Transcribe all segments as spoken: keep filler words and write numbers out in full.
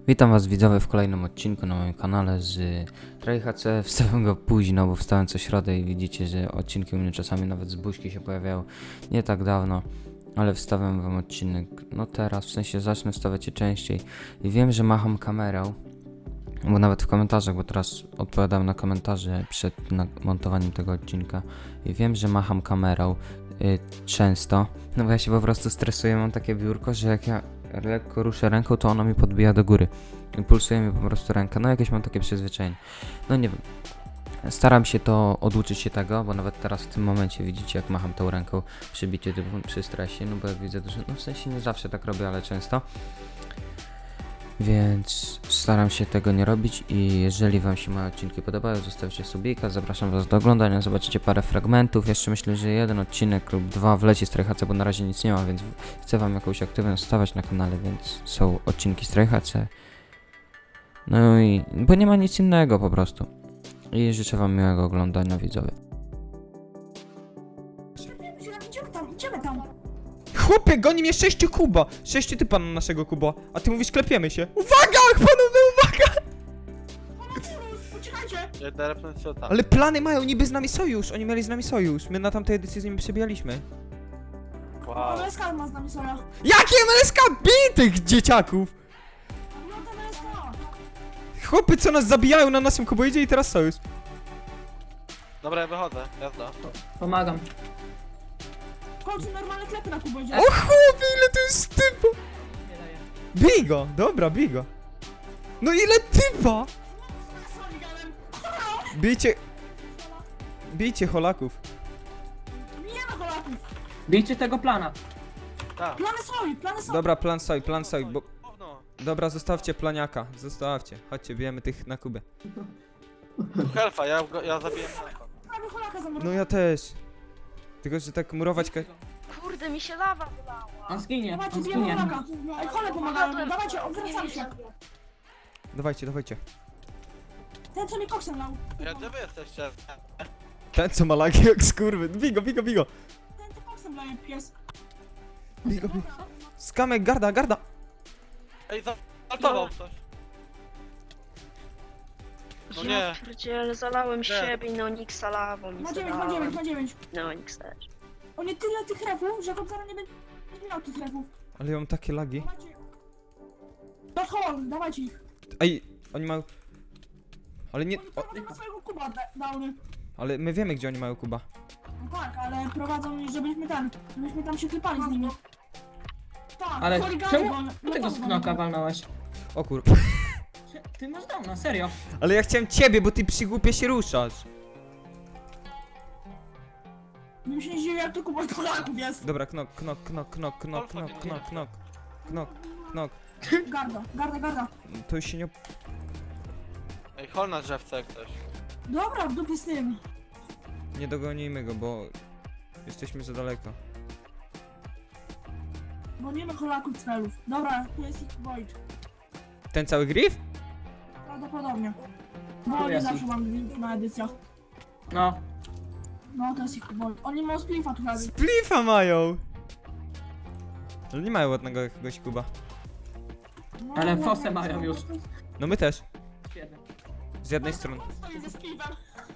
Witam was widzowie w kolejnym odcinku na moim kanale z TryHC. Wstałem go późno, bo wstałem co środę i widzicie, że odcinki u mnie czasami nawet z buźki się pojawiają nie tak dawno, ale wstawiam wam odcinek no teraz, w sensie zacznę wstawiać je częściej i wiem, że macham kamerą, bo nawet w komentarzach, bo teraz odpowiadam na komentarze przed montowaniem tego odcinka i wiem, że macham kamerą y, często, no bo ja się po prostu stresuję, mam takie biurko, że jak ja lekko ruszę ręką, to ona mi podbija do góry i pulsuje mi po prostu ręka, no jakieś mam takie przyzwyczajenie, no nie wiem. Staram się to oduczyć się tego, bo nawet teraz w tym momencie widzicie, jak macham tą ręką przy biciu typu przy stresie, no bo jak widzę dużo, no w sensie nie zawsze tak robię, ale często. Więc staram się tego nie robić i jeżeli wam się moje odcinki podobają, zostawcie subika, zapraszam was do oglądania, zobaczycie parę fragmentów, jeszcze myślę, że jeden odcinek lub dwa wleci z TryHC, bo na razie nic nie ma, więc chcę wam jakąś aktywność stawiać na kanale, więc są odcinki z TryHC. No i, bo nie ma nic innego po prostu. I życzę wam miłego oglądania, widzowie. Idziemy tam, idziemy tam. Chłopie, goni mnie sześciu kuba! Sześciu typa na naszego kuba, a ty mówisz klepiemy się. Uwaga, panowie, uwaga! Uciekajcie! Ja derepnę się tam. Ale plany mają niby z nami sojusz, oni mieli z nami sojusz. My na tamtej edycji z nimi przebijaliśmy. Wow. Ale skal ma z nami soja. Jakie M L S K? Bij tych dzieciaków! No to M L S K. Chłopy, co nas zabijają na naszym kuboidzie i teraz sojusz. Dobra, ja wychodzę, jazda. Pomagam. W końcu normalne klepy na kuboidzie. O chłopie, ile to jest typa! Bij go, dobra, bij go. No ile typa! Bijcie... Bijcie holaków. Nie ma Polaków. Bijcie tego plana. Tak. Plany soj, plany soj. Dobra, plan soj, plan soj, bo... Gówno. Dobra, zostawcie planiaka, zostawcie. Chodźcie, bijemy tych na kubę. Helfa, ja, go- ja zabiję helfa. Prawie Polaka No zamroził. ja też. Tylko, że tak murować ka... Kurde, mi się lawa wylała. On zginie, Dawajcie, on bijemy zginie. Polaka. Ej, chole pomagają. Dawajcie, odwracamy się. Dawajcie, dawajcie. Ten co mi koksem lał. Ja, gdzie wy jesteście? Ten co ma lagi jak skurwy. Bigo, bigo, bigo. Ten co koksem laje pies. Bigo, bigo. Skamek, garda, garda. Ej, zaltował ktoś. No Ja nie. pierdziele, zalałem siebie i Neonixa lawą i Ma dziewięć, ma zalałem. dziewięć, ma dziewięć. Neonix też. O nie tyle tych refów, że Kobzara nie będzie nie miał tych refów. Ale ja mam takie lagi. Dawajcie. Do hol, dawajcie ich. Ej, oni mają... Ale nie... Oni O, prowadzą na swojego kuba da- downy. ale my wiemy, gdzie oni mają kuba. No tak, ale prowadzą, żebyśmy tam, żebyśmy tam się klepali z nimi. Tak, Ale chuligany, czemu bo on- ty tego no, sknoka walnąłeś? O kur... Ty masz downa, serio. Ale ja chciałem ciebie, bo ty przygłupie się ruszasz. Bym się nie zdziwił, jak to Kuba Polaków jest. Dobra, knok, knok, knok, knok, knok, knok, knok, knok. Knok, knok. Garda, garda, garda. To już się nie... op- Ej, hol na drzewce jak coś. Dobra, w dupie z tym. Nie dogonimy go, bo... Jesteśmy za daleko. Bo nie ma Polaków celów. Dobra, tu jest ich Void. Ten cały griff? Prawdopodobnie. Bo Tu oni jest zawsze ich. mam link na edycjach. No. No, to jest ich Void. Oni mają splifa tu chyba. Splifa mają! Ale nie mają ładnego jakiegoś kuba. No, Ale no, fosę no, mają no, już. No my też. Świetnie. Z jednej strony. On stoi ze splifem.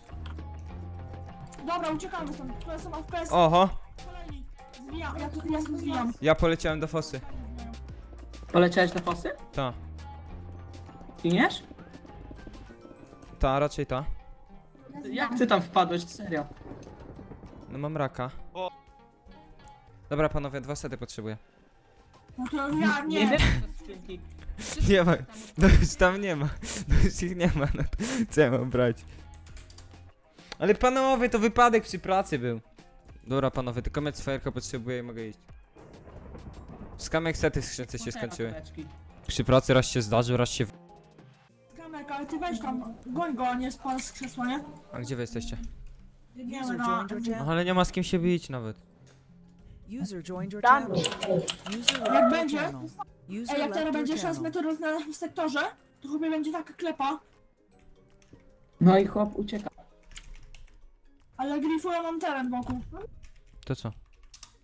Dobra, uciekamy stąd. To są F P S. Oho! Kolejni. Zwijam, ja tu ja tu zwijam. Ja poleciałem do fosy. Poleciałeś do fosy? Ta. Giniesz? Ta, raczej ta. Jak ty tam wpadłeś, serio? No mam raka. O. Dobra panowie, dwa sety potrzebuję. No to ja Nie nie. wiem, co skrzynki. Nie ma. No już tam nie ma. No już ich nie ma. No to co ja mam brać? Ale panowie, to wypadek przy pracy był. Dobra panowie, tylko mecz fajerka potrzebuję i mogę iść. Skamek sety w skrzynce się skończyły. Apteczki. Przy pracy raz się zdarzył, raz się... w- Kamek, ale ty weź tam. Goń go, a nie spadł z krzesła, nie? A gdzie wy jesteście? Biegniemy na... No ale nie ma z kim się bić nawet. User joined your Done. channel. User Jak left your będzie? channel. User Ej, jak left teraz your będzie szans channel. meteorów na naszym sektorze, to chyba będzie taka klepa, No i chłop ucieka. ale grifują nam teren wokół. To co?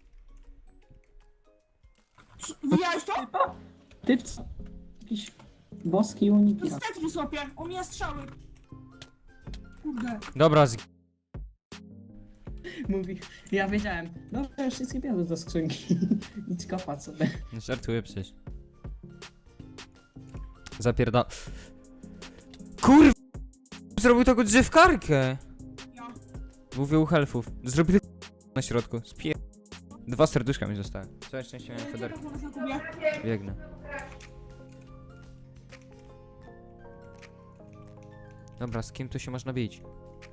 Co, widziałeś to? Typ co? Jakiś Boski To uniki. jest Tetris, opie. On mnie strzały. Kurde. Dobra, z... Mówi, ja wiedziałem. Dobra, już wszystkie bierze do skrzynki. Idź kopać sobie. Żartuję przecież. Zapierda... Kurwa! Zrobił taką drzewkarkę! Ja. Mówię u helfów. Zrobili na środku. Spier... Dwa serduszka mi zostały. Całe szczęście miałem federkę. Czekaj, zaraz na Kubie. Biegnę. Dobra, z kim tu się można bić?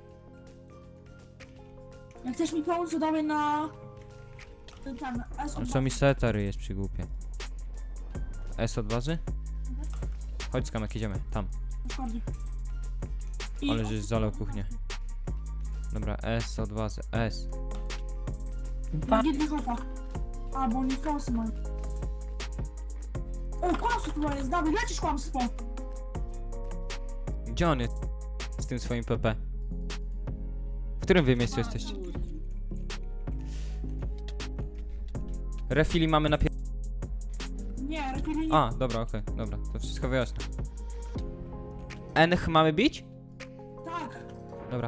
Jak chcesz mi pomóc, to dawaj na... Ten, ten, S No co mi setary jest przy głupie? S od bazy? Chodź skamek, idziemy, tam. I... Ale żeś zalał kuchnię. Dobra, S od bazy, S. Na Gidwichofa. A, bo oni fosy mają. O, kłamstwo tutaj jest, Dawid, lecisz kłamstwo. Gdzie on jest? Z tym swoim P P. W którym wy miejscu jesteście? Refili mamy na pier... Nie, refili nie. A, dobra, okej, dobra, to wszystko wyjaśnię. Ench mamy bić? Tak. Dobra.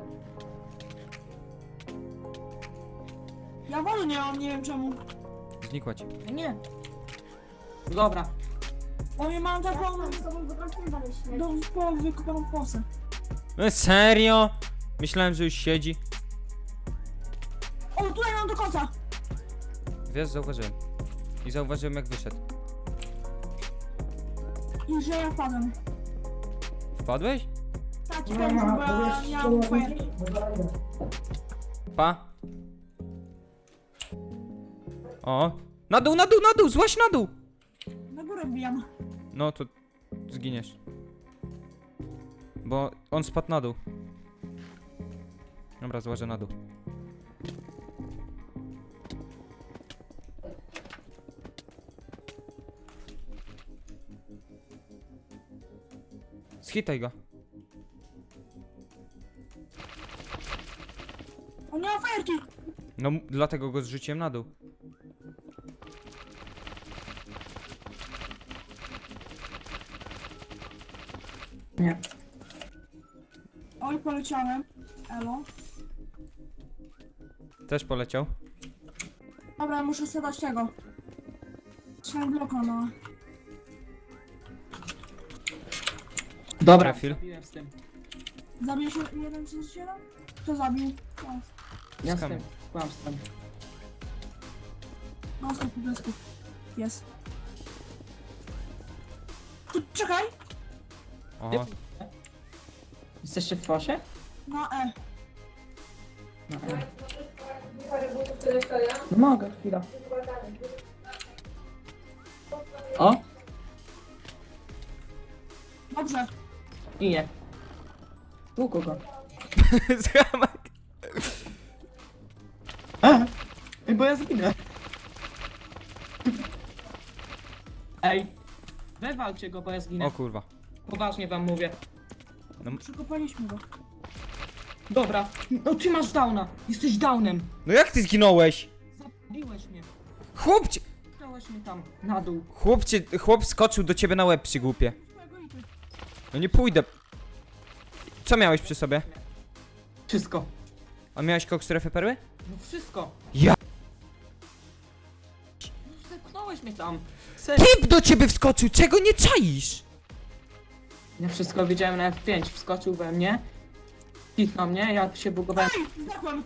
Ja wody nie mam, nie wiem czemu. Znikła ci. Nie. Dobra. Oni mają taką... Do połowy wykopaną fosę. No serio? Myślałem, że już siedzi. O, tutaj mam do końca. Wiesz, zauważyłem. I zauważyłem jak wyszedł. I że ja wpadłem. Wpadłeś? Tak, i powiem, bo ja nie mam fajerki. Pa. O. Na dół, na dół, na dół, złaś na dół! Na górę wbijam. No to zginiesz. Bo on spadł na dół. Dobra, złażę na dół. Schitaj go. On nie ma fajerki. No m- dlatego go zrzuciłem na dół. Nie. Oj, poleciałem. Elo. Też poleciał. Dobra, ja muszę sobie dać tego. Trzymaj bloka na... Dobra, Trafil. zabiłem z tym. Zabił się jeden przez siedem? Kto zabił? O, Ja z Skamy. tym. Kłamstwem. no, stop, po desku. Jest. Tu, czekaj! Oho. Jesteście w fosie? Na E. No, e. No mogę, chwila. O! Dobrze. I nie. Tu kogo? Skamek. A! Ej, bo ja zginę. Ej! Wywalcie go, bo ja zginę. O kurwa. Poważnie wam mówię. Przekopaliśmy go. Dobra. No ty masz downa. Jesteś downem. No jak ty zginąłeś? Zabiłeś mnie. Chłopcie! Dałeś mnie tam, na dół. Chłopcie, chłop skoczył do ciebie na łeb przy głupie. Twojego i ty. No nie pójdę. Co miałeś przy sobie? Wszystko. A miałeś koks strefy perły? No wszystko. Ja- No zepchnąłeś mnie tam. Serio. Typ do ciebie wskoczył, czego nie czaisz? Ja wszystko widziałem na F pięć. Wskoczył we mnie. Kichnął mnie, ja się bugowałem. Ej, zdechłem!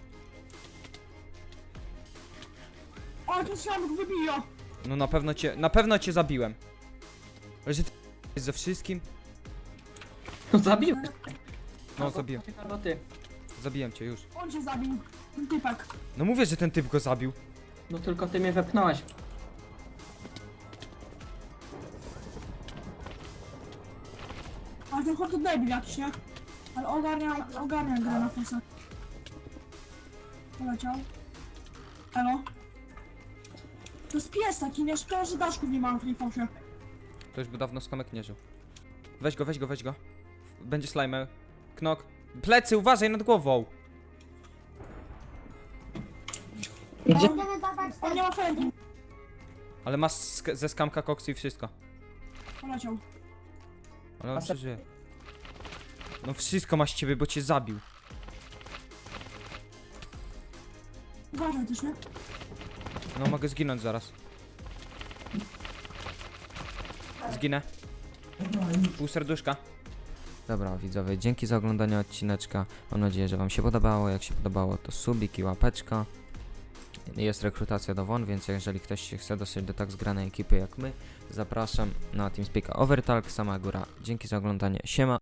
O, ten ślamek wybija! No na pewno cię, na pewno cię zabiłem. Ale że ty jest ze wszystkim? No zabiłeś. No zabiłem, Albo ty. zabiłem cię już. On cię zabił. Ten typek. No mówię, że ten typ go zabił. No tylko ty mnie wepchnąłeś. Ale ten chłop to debil jakiś, nie? Ale ogarnia, ogarnia grę na fosę. Poleciał. Elo. To jest pies taki, nie? Szkoda, że daszków nie mam w tej fosie. To już by dawno skamek nie żył. Weź go, weź go, weź go. Będzie slime. Knok. Plecy, uważaj nad głową. Gdzie? On, on nie ma fergi. Ale masz sk- ze skamka koksy i wszystko. Poleciał. Ale on A se- przeżyje. No wszystko masz z ciebie, bo cię zabił. Uważaj też, nie? No mogę zginąć zaraz. Zginę. Pół serduszka. Dobra widzowie, dzięki za oglądanie odcineczka. Mam nadzieję, że wam się podobało. Jak się podobało, to subik i łapeczka. Jest rekrutacja do W O N, więc jeżeli ktoś się chce dostać do tak zgranej ekipy jak my, zapraszam na TeamSpeak'a Overtalk, sama góra. Dzięki za oglądanie, siema.